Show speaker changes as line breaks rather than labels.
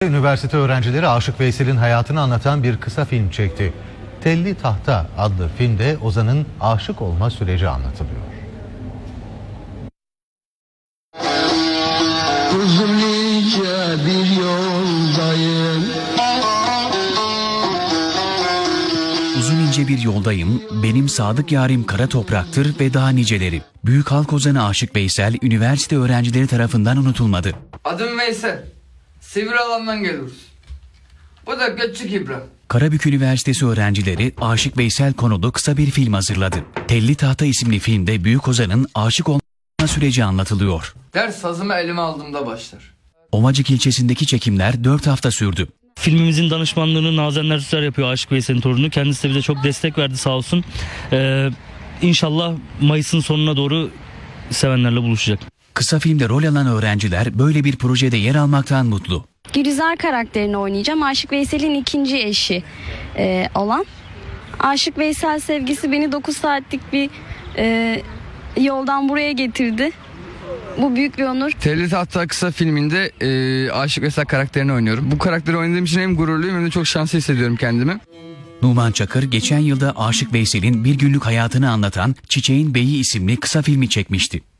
Üniversite öğrencileri Aşık Veysel'in hayatını anlatan bir kısa film çekti. Telli Tahta adlı filmde Ozan'ın aşık olma süreci anlatılıyor.
Uzunca bir yoldayım.
Uzun ince bir yoldayım, benim sadık yarim kara topraktır ve daha niceleri. Büyük halk ozanı Aşık Veysel, üniversite öğrencileri tarafından unutulmadı.
Adım Veysel. Sivri alandan geliyoruz. Bu da Göçük İbrahim.
Karabük Üniversitesi öğrencileri Aşık Veysel konulu kısa bir film hazırladı. Telli Tahta isimli filmde büyük ozanın aşık olma süreci anlatılıyor.
Ders sazımı elime aldığımda başlar.
Ovacık ilçesindeki çekimler 4 hafta sürdü.
Filmimizin danışmanlığını Nazenler Süser yapıyor, Aşık Veysel'in torunu. Kendisi de bize çok destek verdi sağ olsun. İnşallah Mayıs'ın sonuna doğru sevenlerle buluşacak.
Kısa filmde rol alan öğrenciler böyle bir projede yer almaktan mutlu.
Gülizar karakterini oynayacağım. Aşık Veysel'in ikinci eşi olan. Aşık Veysel sevgisi beni 9 saatlik bir yoldan buraya getirdi. Bu büyük bir onur.
Telli Tahta kısa filminde Aşık Veysel karakterini oynuyorum. Bu karakteri oynadığım için hem gururluyum hem de çok şanslı hissediyorum kendimi.
Numan Çakır geçen yılda Aşık Veysel'in bir günlük hayatını anlatan Çiçeğin Beyi isimli kısa filmi çekmişti.